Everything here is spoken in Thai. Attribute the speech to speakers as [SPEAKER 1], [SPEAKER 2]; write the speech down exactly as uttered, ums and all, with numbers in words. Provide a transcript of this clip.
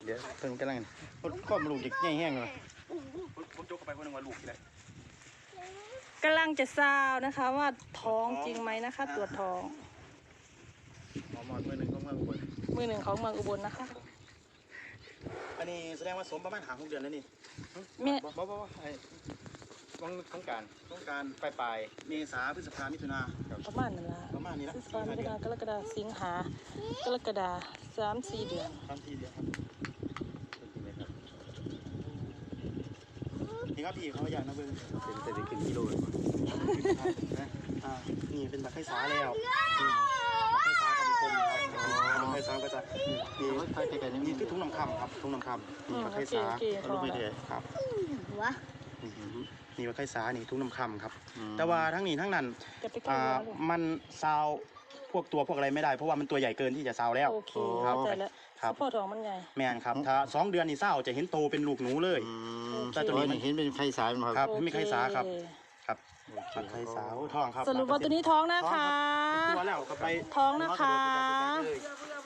[SPEAKER 1] ดี๋ยวเพิ่งกำลังมันก้อนมันลูกเด็กแง่แห้งเลย
[SPEAKER 2] ผมจกเข้าไปคนนึงว่าลูกเลย
[SPEAKER 3] กำลังจะซาวนะคะว่าท้องจริงไหมนะคะตรวจท้อง
[SPEAKER 1] หมอมอนมือหนึ่งของเมืองอุบล
[SPEAKER 3] มือหนึ่งของเมืองอุบลนะคะ
[SPEAKER 2] อันนี้แสดงว่าสมประมาณหาหกเดือนแล้วนี่
[SPEAKER 3] แม่
[SPEAKER 1] บ่บ่บ่ไอ้ต้องต้องการ
[SPEAKER 2] ต้องการ
[SPEAKER 1] ปลายปลาย
[SPEAKER 2] เมษาพฤษภามิถุนา
[SPEAKER 3] ประมาณนั้นละ
[SPEAKER 2] ประมาณนี้ละ
[SPEAKER 3] พฤษภาคมมิถุนากรกฎาสิงหากรกฎาสามสี่เดือน
[SPEAKER 2] สามสี่เดือนครับนี่ครับพี่เขาอยากนะเบิ้ง
[SPEAKER 1] เป็นแต่ได้ขึ้นกิโลเลย
[SPEAKER 2] นะอ่านี่เป็นบักไข่สาแล้วบักไข่สากับมีคมครับบักไข่สาก็จะมีนี่คือทุ่งน้ำคำครับทุ่งน้ำคำนี่บักไข่สาลูกไม่เดือดครับ
[SPEAKER 3] หัว
[SPEAKER 2] นี่บักไข่สานี่ทุ่งน้ำคำครับแต่ว่าทั้งนี้ทั้งนั้น
[SPEAKER 3] อ่า
[SPEAKER 2] มันซาวพวกตัวพวกอะไรไม่ได้เพราะว่ามันตัวใหญ่เกินที่จะซาวแล้ว
[SPEAKER 3] โอเค
[SPEAKER 2] ครับ
[SPEAKER 3] ครับพ่อท้องมันใหญ่
[SPEAKER 2] แม่นครับถ้าสองเดือนนี่ซาวจะเห็นโตเป็นลูกหนูเลย
[SPEAKER 1] แต่ตัวนี้มันเห็นเป็นไข่สาย
[SPEAKER 2] ครับไม่ไข่สาครับครับไข่สาวท้องครับ
[SPEAKER 3] สรุปว่าตัวนี้ท้องนะคะ
[SPEAKER 2] ตัวแล้วก็ไป
[SPEAKER 3] ท้องนะคะ